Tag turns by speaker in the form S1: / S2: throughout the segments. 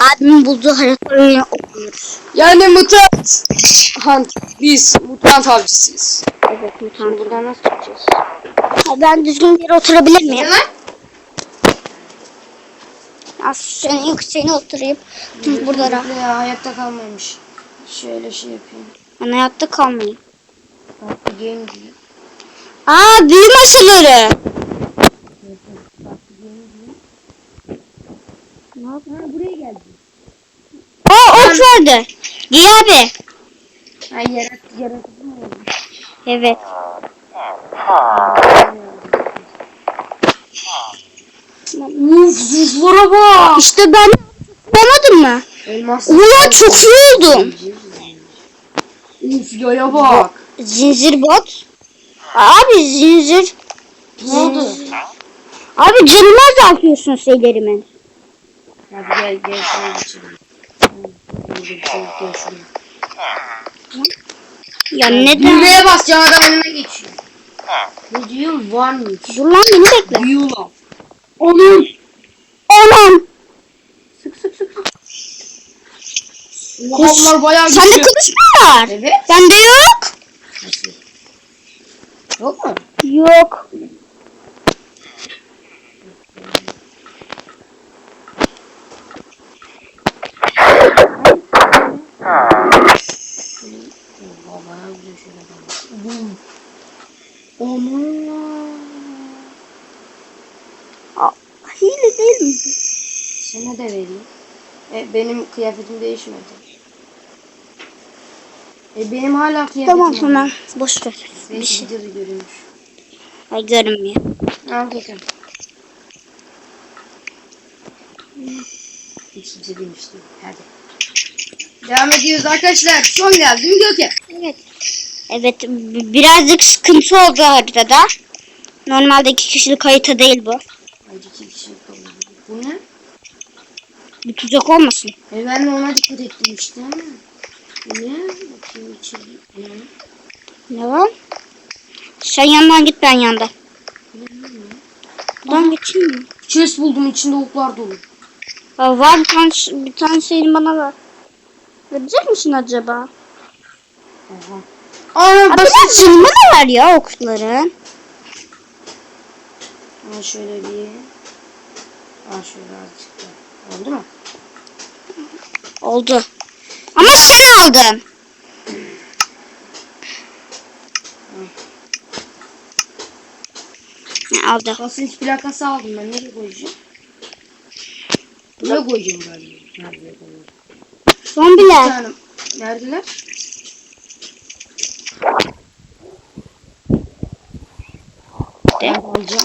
S1: Abimin bulduğu haritayı okuyoruz.
S2: Yani mutant hunt. Biz mutant avcısıyız.
S1: Evet
S2: Şimdi
S1: mutant.
S2: buradan nasıl çıkacağız?
S1: Ben düzgün bir yere oturabilir
S2: Ne
S1: miyim?
S2: lan?
S1: Az senin yükseğine oturayım. Burada rahat.
S2: Bekle ya, hayatta kalmamış. Şöyle şey yapayım.
S1: Ben hayatta kalmayayım.
S2: Bak bir game diyor.
S1: Aa büyü masaları.
S2: Ne yapayım? Ha, buraya geldi.
S1: Aa ok verdi. Giy abi.
S2: Ha, yaratıcı mı oldu?
S1: Evet.
S2: Uf, zırhlara bak.
S1: İşte ben yapamadım mı?
S2: Elmas.
S1: Ulan çok iyi oldum.
S2: Uf, yaya bak.
S1: Zincir bot. Abi zincir.
S2: Ne oldu?
S1: Abi canımı azaltıyorsun şeylerimin.
S2: Hadi gel şuraya geçelim.
S1: Ya neden?
S2: Düğmeye basacağım, adam önüme geçiyor. Ne diyor? Varmış.
S1: Dur lan beni bekle.
S2: Büyü lan. Onun.
S1: Anam.
S2: Sık sık sık. Onlar bayağı
S1: Sende
S2: güçlü.
S1: kılıç mı var?
S2: Evet.
S1: Bende yok.
S2: Nasıl? Yok mu?
S1: Yok.
S2: Bayağı güzel şeyler var. Onunla.
S1: Hile değil mi?
S2: Sana da vereyim. Benim kıyafetim değişmedi. Benim hala kıyafetim
S1: Tamam
S2: var.
S1: tamam. Boş ver. Bir
S2: Belki
S1: şey.
S2: videoda görünmüş.
S1: Ay görünmüyor.
S2: Al bakalım. Hiç kimse demişti. Hadi. Devam ediyoruz arkadaşlar. Son geldi değil mi Gökhan?
S1: Evet. Evet birazcık sıkıntı oldu haritada. Normalde 2 kişilik harita değil bu.
S2: Hadi 2 kişi yapalım. Bu ne?
S1: Bir tuzak olmasın.
S2: Ben de ona dikkat ettim işte. Bu ne? Bakayım içeri. Ne?
S1: Ne var? Sen yandan git ben yanda. Buradan geçeyim mi?
S2: Chest buldum, içinde oklar dolu.
S1: Aa, var bir tane şeyini bana ver. Verecek misin acaba?
S2: Aha. Aa,
S1: Abi biraz canıma da ver ya okların.
S2: şöyle bir. Şöyle azıcık da. Oldu mu?
S1: Oldu. Ama sen aldın. Ne aldı?
S2: Basınç plakası aldım ben. Nereye koyacağım? Buraya koyacağım galiba. Nereye koyacağım?
S1: Zombiler.
S2: Canım. Neredeler? Ben alacağım.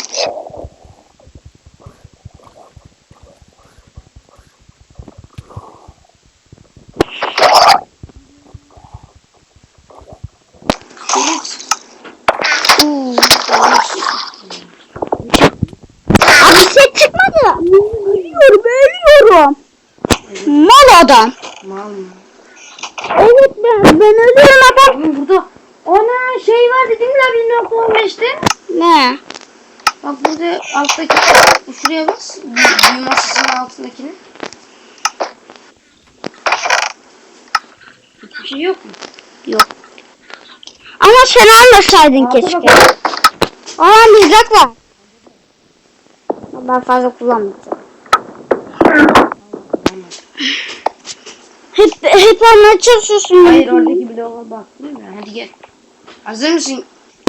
S1: Abi set çıkmadı. Ölüyorum. Mal adam.
S2: Mal mı?
S1: Evet ben ölüyorum adam.
S2: Burada. Ana şey var dedim ya 1.15'te.
S1: Ne?
S2: Bak burada alttaki. Şuraya bas. Büyü masasının altındakini. Hiçbir şey yok mu?
S1: Yok. Ama sen almasaydın
S2: Alta
S1: keşke.
S2: bak.
S1: Aa mızrak var. Ben fazla kullanmayacağım. Hep anlatmaya çalışıyorsun.
S2: Hayır, oradaki bloğa bak. Değil mi? Hadi gel. Hazır mısın?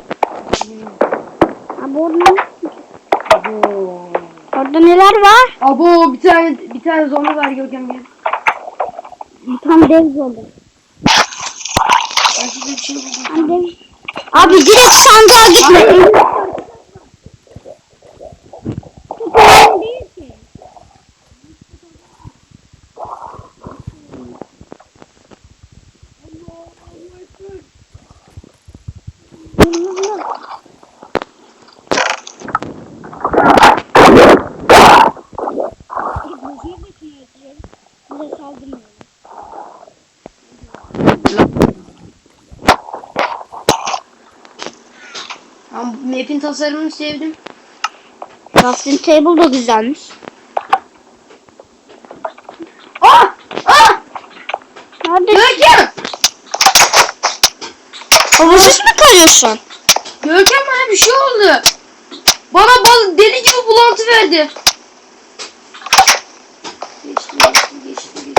S1: Abi orada,
S2: Abo.
S1: orada neler var?
S2: Abo, bir tane zombi var Görkem gel.
S1: Tam dev zombi.
S2: Ben size bir şey buldum.
S1: Tam dev. Abi direkt sandığa gitme.
S2: Ben map'in tasarımını sevdim.
S1: Crafting table da güzelmiş.
S2: Ah!
S1: Havuçsuz mu kalıyorsun?
S2: Görkem bana bir şey oldu. Bana deli gibi bulantı verdi. Geçti.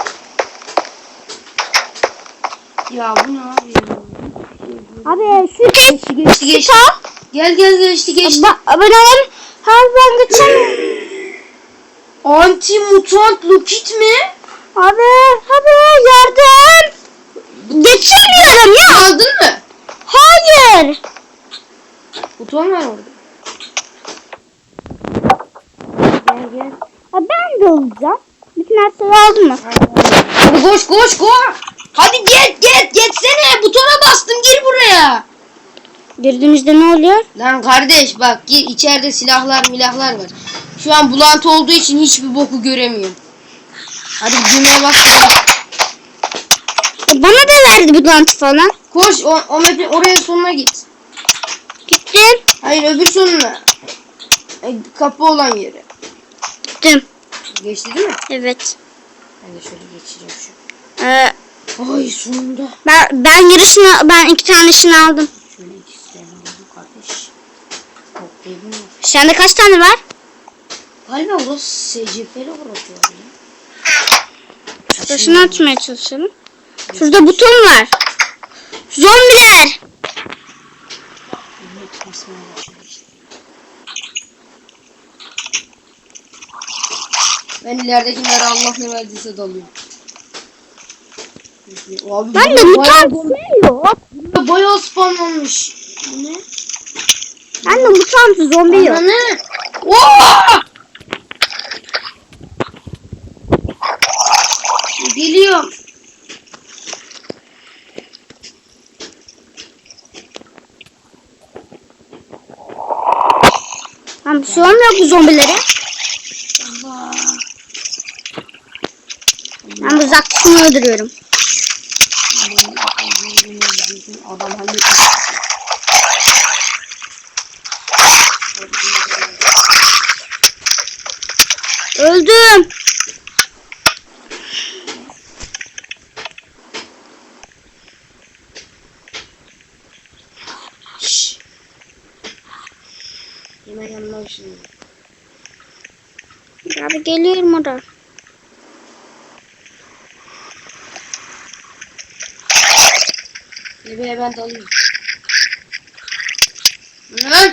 S2: Ya bu ne abi ya?
S1: Abi şu
S2: Geçti. Gel geçti.
S1: Ben oğlum her ben geçemiyorum.
S2: Anti mutant Lokit mi?
S1: Abi yardım. Geçemiyorum ya.
S2: Aldın mı?
S1: Hayır.
S2: Buton var orada. Gel.
S1: Ben de olacağım. Bütün her şeyi aldın mı?
S2: Hadi koş. Hadi geçsene. Butona bastım, gir buraya.
S1: Girdiğimizde ne oluyor?
S2: Lan kardeş bak, gir, içeride silahlar var. Şu an bulantı olduğu için hiçbir boku göremiyorum. Hadi düğmeye bas.
S1: Bana da verdi bu lantı falan.
S2: Koş o map'in oraya sonuna git.
S1: Gittim.
S2: Hayır, öbür sonuna. Kapı olan yere.
S1: Gittim.
S2: Geçti değil mi?
S1: Evet.
S2: Ben de şöyle geçeceğim şu.
S1: Ee,
S2: Ay sonunda.
S1: ben 2 tanesini aldım.
S2: Şöyle ikisini aldım kardeş. Toplayalım.
S1: Sende kaç tane var?
S2: Galiba burası SCP'li burası ya.
S1: Şurasını açmaya çalışalım. Şurada buton var. Zombiler.
S2: Ben ileridekilere Allah ne verdiyse dalıyorum. Abi,
S1: Ben de mutant yok.
S2: bayağı spamlanmış. Bu ne?
S1: Ben de mutant zombi yok.
S2: Ananı. Oo! Geliyorum.
S1: Ben bir şey olmuyor bu zombilere.
S2: Allah.
S1: Ben bu zaktısını öldürüyorum.
S2: Adam halletmiş.
S1: Öldüm.
S2: Şşş. Hemen yanına şimdi.
S1: Abi geliyorum orada.
S2: Bebeğe ben dalıyorum. Lan!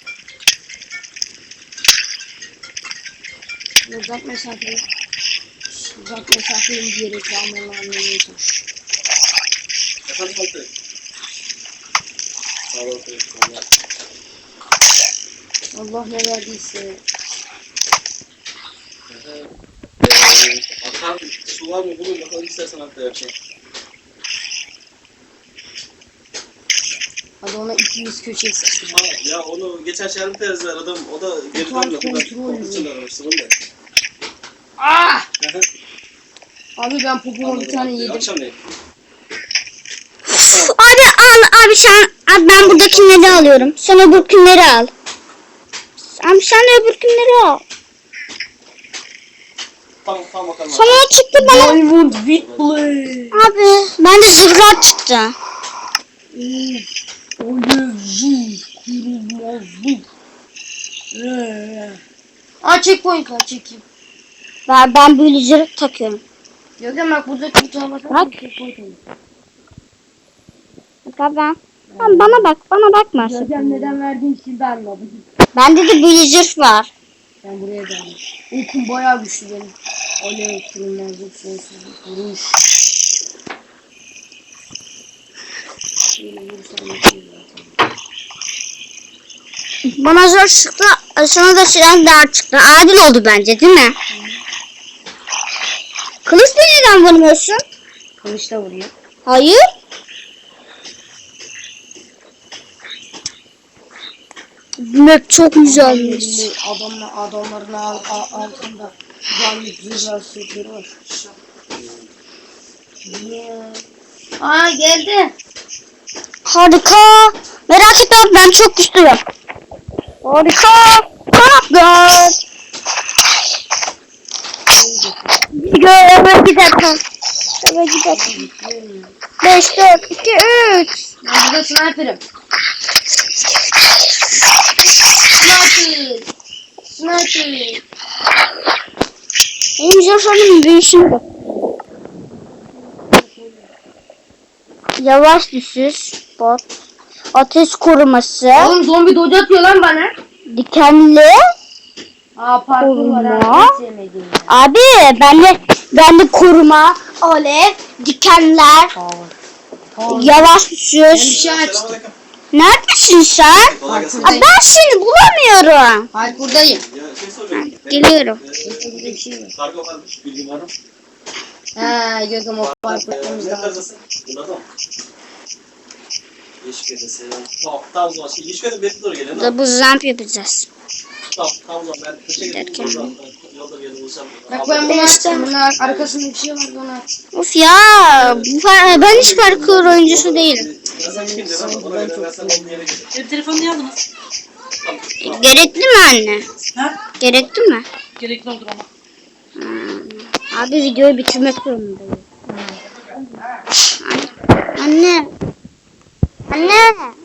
S2: Uzak mesafeyi. Uzak mesafeyi diyerek almalarını anlayacağım. Allah ne verdiyse.
S3: Atar su var mı bulun bakalım, istersen hatta yapacağım.
S2: Hadi ona ikimiz köşeye sıkıştık.
S3: Ya onu geçen şey terzi aradım, o da geri
S2: Kontrol
S3: dönmüyor.
S2: kontrol.
S3: Kontrol aramıştım onu da.
S2: Ah! Abi ben popoma bir tane yedim.
S3: Akşam ne?
S1: Abi abi ben buradakileri alıyorum. Sen öbürkünleri al. Abi sen de öbürkünleri al.
S3: Tamam bakalım.
S1: Sana o çıktı bana.
S2: Diamond with blade.
S1: Abi bende zırhlar çıktı.
S2: Oyuncu kırılmazlık. Checkpoint var, çekeyim.
S1: Ben böyle zırh takıyorum.
S2: Yok ya bak, burada kutuğa
S1: Bak.
S2: bakalım. Checkpoint olur.
S1: Bak abi bana bakma.
S2: Görkem neden verdiğin için ben anladım.
S1: Bende de böyle zırh var.
S2: Ben buraya geldim. Okum bayağı güçlü benim. Alev, kırılmazlık, sonsuzluk, vuruş. Böyle vursam yetiyor zaten.
S1: Bana zırh çıktı. Sana da silahlar çıktı. Adil oldu bence değil mi? Kılıçla neden vurmuyorsun?
S2: Kılıçla vuruyor.
S1: Hayır. Map çok güzelmiş.
S2: Adamların altında canlı zırhlar sütleri var. Aa, geldi.
S1: Harika. Merak etme ben çok güçlüyüm. Harika. Kanatlar. Eve gidelim. 5, 4, 2, 3.
S2: Ben burada sniper'ım. Sniper. Sniper.
S1: Benim Josha'nın büyüsünü bak. Yavaş düşüş. Bot. Ateş koruması.
S2: Oğlum zombi dodge atıyor lan bana.
S1: Dikenli.
S2: Aa parkur var
S1: Koruma.
S2: ha. Hiç sevmediğim ya.
S1: Abi bende koruma. Alev. Dikenler. Yavaş
S2: Ben bir
S1: düşüş.
S2: şey açtım.
S3: Selamünaleyküm.
S1: Neredesin sen?
S3: Kolay gelsin.
S1: Aa, ben seni bulamıyorum.
S2: Hayır buradayım.
S3: Ya şey soracağım.
S1: Geliyorum.
S2: Burada bir şey var.
S3: Kargo varmış. Bilgin var mı?
S2: Ha gözüm o parkur etmemiz
S3: Ne
S2: lazım.
S3: taraftasın? Burada mı? Yeşilköy'de selam. Tamam o zaman. Yeşilköy'de bir doğru gelelim.
S1: Burada bu zamp yapacağız.
S3: Tamam o zaman ben teşekkür
S1: Derken.
S3: ederim. Yolda bir yerde buluşalım.
S2: Bak ben bunu açtım. Bunun arkasında bir şey var onu aç.
S1: Of ya. Ben hiç parkur oyuncusu değilim.
S3: Ya sen kimdin ama ona göre ben sana onun yerine gidelim.
S4: Benim telefonunu niye aldınız?
S1: Gerekli mi anne?
S4: Ha?
S1: Gerekli mi?
S4: Gerekli olur ama.
S1: Abi videoyu bitirmek zorundayım. Anne. Anne.